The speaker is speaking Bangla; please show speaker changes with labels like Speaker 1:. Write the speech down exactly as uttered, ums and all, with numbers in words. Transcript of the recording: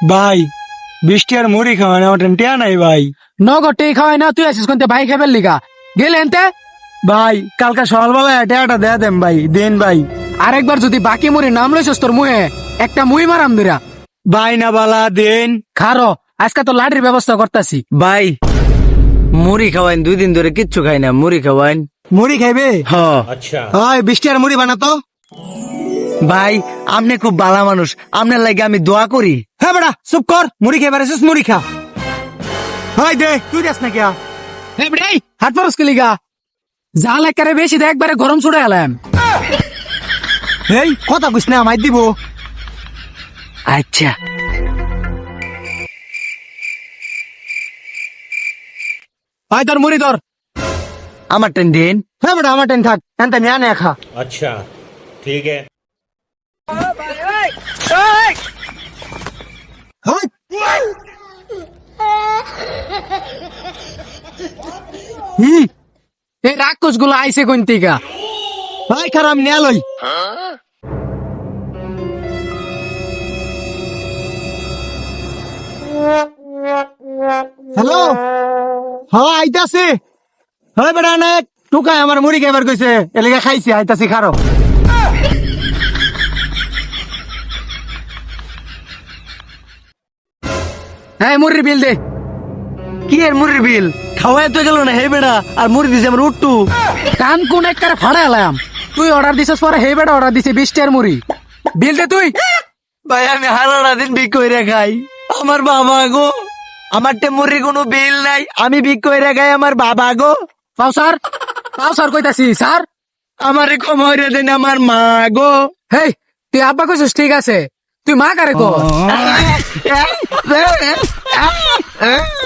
Speaker 1: ভাই বৃষ্টি আর মুড়ি খাওয়া না ওটা টিয়া নাই ভাই।
Speaker 2: নগদ টেই খাওয়াই না, তুই আসিস কোনতে ভাই খাবার লিগা গেলে এনতে।
Speaker 1: ভাই কালকে সকালবেলা টিয়াটা দেয়া দেন ভাই, দেন ভাই।
Speaker 2: আরেকবার যদি বাকি মুড়ি নাম লইছস তোর মুহে একটা মুই মারাম দিরা।
Speaker 1: ভাই না বালা দেন।
Speaker 2: খারো আজকে তো লাঠির ব্যবস্থা করতাছি।
Speaker 3: ভাই মুড়ি খাওয়াইন, দুই দিন ধরে কিচ্ছু খাই না, মুড়ি খাওয়াইন।
Speaker 1: মুড়ি খাইবে?
Speaker 3: হ
Speaker 1: হয় বৃষ্টি আর মুড়ি বানাতো।
Speaker 3: ভাই আপনি খুব ভালো মানুষ, আপনার লাগে আমি দোয়া করি।
Speaker 1: হ্যাঁ বেটা চুপ কর, মুড়ি খাইবার এসেছিস মুড়ি খা। হয় দে, তুই দেস না কিয়া?
Speaker 2: হে বেটাই হাত পারস কি লিগা? জাল একারে বেশি দে, একবারে গরম ছুড়ে এলাম।
Speaker 1: এই কথা কইস না, আমায় দিব।
Speaker 3: আচ্ছা
Speaker 2: ভাই তোর মুড়ি ধর।
Speaker 3: আমার টেন দিন।
Speaker 1: হ্যাঁ বেটা আমার টেন থাক, এনতে নিয়া নে খা।
Speaker 4: अच्छा ठीक है।
Speaker 1: হয় হুম
Speaker 2: এই রাক্ষস গুলো আইসে কোন থেকে?
Speaker 1: ভাই খারাপ নিয়া লই। হ্যালো হ্যাঁ আইতাছি। হয় বেটা না টুকাই আমার মুড়ি খাইবার কইছে, এলাকা খাইছি, আইতাছি খারো।
Speaker 2: হ্যাঁ মুড়ির বিল দে।
Speaker 3: কি এর মুড়ির বিল? খাওয়াই তো গেল না হে বেড়া, আর মুড়ি দিছে আমার উঠটু।
Speaker 2: কান কোন একবারে ফাড়া এলাম। তুই অর্ডার দিছিস পরে হে বেটা অর্ডার দিছে বিশ টাকার মুড়ি। বিল দে তুই।
Speaker 3: ভাই আমি হারাটা দিন বিক করে খাই, আমার বাবা গো, আমার টে মুড়ির কোনো বিল নাই, আমি বিক করে খাই আমার বাবা গো।
Speaker 2: পাও স্যার, পাও স্যার কইতাছি স্যার।
Speaker 3: আমারে ক্ষমা করে দেন আমার মা গো।
Speaker 2: হেই তুই আব্বা কইছিস ঠিক আছে, তুই মা কারে কর।